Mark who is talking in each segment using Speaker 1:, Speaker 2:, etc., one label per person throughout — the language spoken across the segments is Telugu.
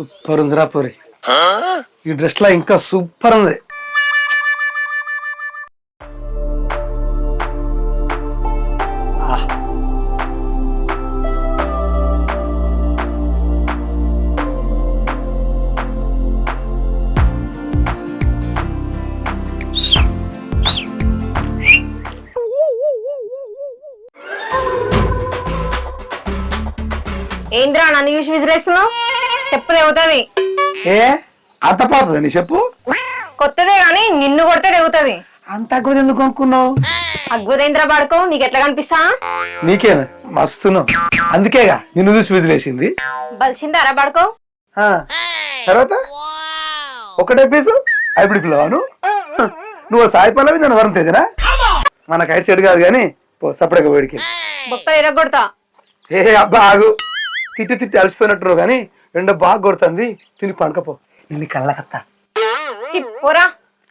Speaker 1: సూపర్ ఉందిరా పూరి. ఈ డ్రెస్ లా ఇంకా సూపర్ ఉంది.
Speaker 2: ఏంద్రా నన్ను చూసి విసిరేస్తున్నావు? చెప్పు తెగుతుంది.
Speaker 1: ఏ అత్తపోతుంది నీ చెప్పు.
Speaker 2: కొత్తదే గాని నిన్ను కొడితే తెగుతుంది.
Speaker 1: అంత అగ్గుది ఎందుకు కొనుక్కున్నావు?
Speaker 2: అగ్గుదేంద్ర పడుకో, నీకు ఎట్లా కనిపిస్తా?
Speaker 1: నీకే మస్తున్నావు, అందుకేగా నిన్ను చూసి విదిలేసింది.
Speaker 2: బలిసిందారా పడుకో.
Speaker 1: తర్వాత ఒకటే పీసు హైబ్రిడ్ పిల్లవాను. నువ్వు సాయి పల్లవి నన్ను వరం తేజనా? మన కైట్ చెడు కాదు కానీ సపరేట్గా వేడికి
Speaker 2: బొక్క ఎరగొడతా.
Speaker 1: ఏ అబ్బా ఆగు, తిట్టి తిట్టి అలసిపోయినట్టు కానీ ఎండ బాగా కొడుతుంది, తిని పండుకపో. నిన్ను కళ్ళకత్తా.
Speaker 2: పోరా.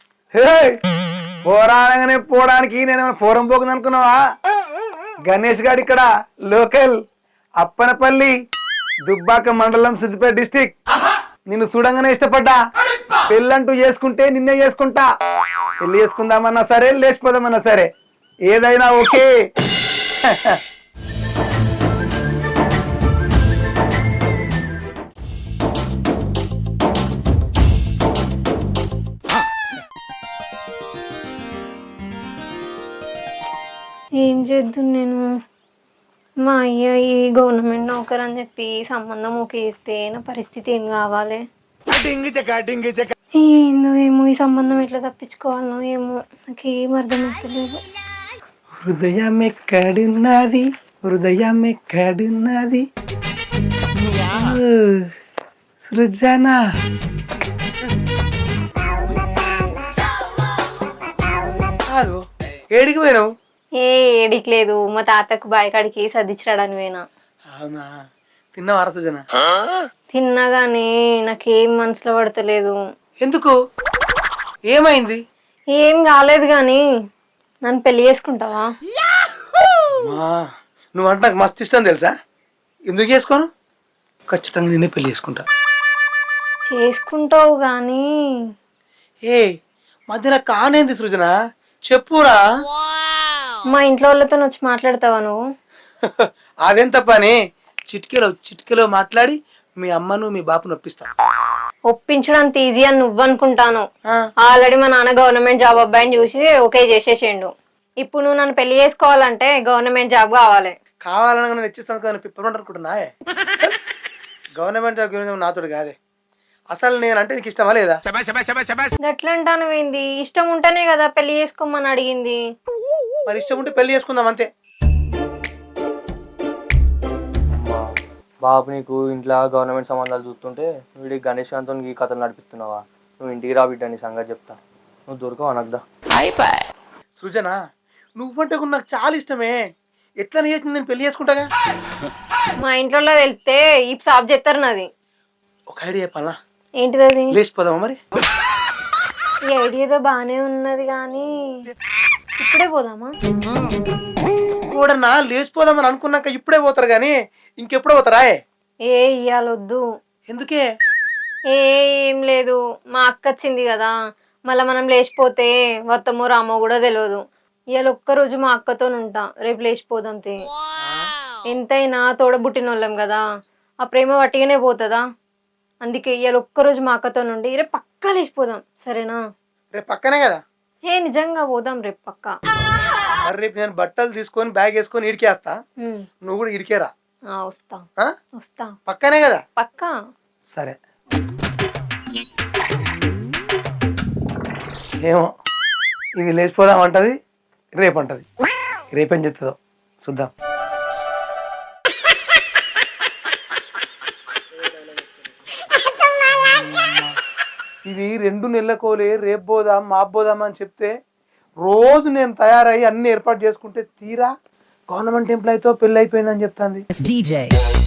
Speaker 1: పోరాగానే పోవడానికి నేనేమైనా పూరం పోకుంది అనుకున్నావా? గణేష్ గారు ఇక్కడ లోకల్, అప్పనపల్లి, దుబ్బాక మండలం, సిద్దిపేట డిస్టిక్. నిన్ను చూడంగానే ఇష్టపడ్డా. పెళ్ళంటూ చేసుకుంటే నిన్నే చేసుకుంటా. పెళ్లి చేసుకుందామన్నా సరే, లేచిపోదామన్నా సరే, ఏదైనా ఓకే.
Speaker 2: ఏం చేద్దాం నేను? మా అయ్య ఈ గవర్నమెంట్ నౌకర్ అని చెప్పి సంబంధం ఓకే ఇస్తే నా పరిస్థితి ఏం కావాలి? ఏందో ఏమో, ఈ సంబంధం ఎట్లా తప్పించుకోవాలనో ఏమో నాకేం అర్థమవుతలేదు.
Speaker 1: హృదయం ఎక్కడున్నది, హృదయం ఎక్కడున్నది సృజన. ఏడికి పోయినావు?
Speaker 2: ఏడికి లేదు, మా తాతకు బాయికాడికి సర్దించడానికి పోయినా.
Speaker 1: అవునా? తిన్నావా సృజన?
Speaker 2: తిన్నా గానీ నాకేం మనసులో పడతలేదు.
Speaker 1: ఎందుకు? ఏమైంది?
Speaker 2: ఏం కాలేదు గాని నన్ను పెళ్లి చేసుకుంటావా?
Speaker 1: నువ్వంటే నాకు మస్తు ఇష్టం తెలుసా. ఎందుకు చేసుకోను? ఖచ్చితంగా నిన్నే పెళ్లి చేసుకుంటా.
Speaker 2: చేసుకుంటావు గాని
Speaker 1: ఏ మధ్యలో కానేంది సృజన, చెప్పురా.
Speaker 2: మా ఇంట్లో వాళ్ళతో వచ్చి మాట్లాడతావా నువ్వు?
Speaker 1: అదెంత పని? చిటికెలో మాట్లాడి మీ అమ్మను మీ బాపును ఒప్పిస్తా.
Speaker 2: ఒప్పించడానికి ఈజీ అని నువ్వు అనుకుంటాను. ఆల్రెడీ మా నాన్న గవర్నమెంట్ జాబ్ అబ్బాయిని చూసి ఓకే చేసేసిండు. ఇప్పుడు నువ్వు నన్ను పెళ్లి చేసుకోవాలంటే గవర్నమెంట్ జాబ్ కావాలి.
Speaker 1: కావాలని నేను ఇచ్చిస్తాను కదా, పిప్పమంట అనుకుంటున్నా. గవర్నమెంట్ జాబ్ నాతోడు కాదే. అసలు నేను అంటే నీకు ఇష్టమా లేదా?
Speaker 2: ఎట్లా అంటాను ఏంది? ఇష్టం ఉంటేనే కదా పెళ్లి చేసుకోమని అడిగింది.
Speaker 1: మరి ఇష్టం ఉంటే పెళ్లి చేసుకుందాం అంతే.
Speaker 3: బాబు నీకు ఇంట్లో గవర్నమెంట్ సంబంధాలు చూస్తుంటే వీడికి గణేష్ అంతో ఈ కథలు నడిపిస్తున్నావా? నువ్వు ఇంటికి రా బిడ్డ, నీ సంగతి చెప్తా. నువ్వు దొరకవు అనద్దా.
Speaker 1: సృజన నువ్వంటే నాకు చాలా ఇష్టమే. ఎట్లా చేసి నేను పెళ్లి చేసుకుంటాగా.
Speaker 2: మా ఇంట్లో వెళ్తే ఈ సాబ్ చేస్తారు నాది.
Speaker 1: ఒక ఐడియా చెప్పాలా?
Speaker 2: ఏంటిది అది?
Speaker 1: లేచిపోదామా మరి?
Speaker 2: ఈ ఐడియాతో బానే ఉన్నది కానీ ఇప్పుడే పోదామా?
Speaker 1: కూడా లేచిపోదామని అనుకున్నాక ఇప్పుడే పోతారు గానీ ఇంకెప్పుడో పోతారా?
Speaker 2: ఇయ్యాలొద్దు.
Speaker 1: ఎందుకే?
Speaker 2: ఏం లేదు, మా అక్క వచ్చింది కదా, మళ్ళీ మనం లేచిపోతే వత్తమో రామో కూడా తెలియదు. ఇవాళ ఒక్కరోజు మా అక్కతో ఉంటా, రేపు లేచిపోదాం. ఎంతైనా తోడబుట్టిన వాళ్ళం కదా, ఆ ప్రేమ వట్టిగానే పోతుందా? అందుకే ఇవాళ ఒక్కరోజు మా అక్కతో నుండి రేపు పక్కా లేచిపోదాం, సరేనా?
Speaker 1: రేపు పక్కనే కదా?
Speaker 2: నిజంగా పోదాం రేపు పక్కా.
Speaker 1: రేపు నేను బట్టలు తీసుకొని బ్యాగ్ వేసుకొని ఇడికేస్తా, నువ్వు కూడా ఇడికేరా.
Speaker 2: వస్తా.
Speaker 1: పక్కనే కదా?
Speaker 2: పక్కా.
Speaker 1: సరే. ఏమో ఇది లేచిపోదాం అంటది, రేపు అంటది. రేపేం చెప్తుందో చూద్దాం. ఇది 2 నెలల కోలే, రేపు పోదాం మాపు పోదాం అని చెప్తే రోజు నేను తయారయ్యి అన్ని ఏర్పాటు చేసుకుంటే తీరా గవర్నమెంట్ ఎంప్లాయీతో పెళ్లి అయిపోయిందని చెప్తాంది.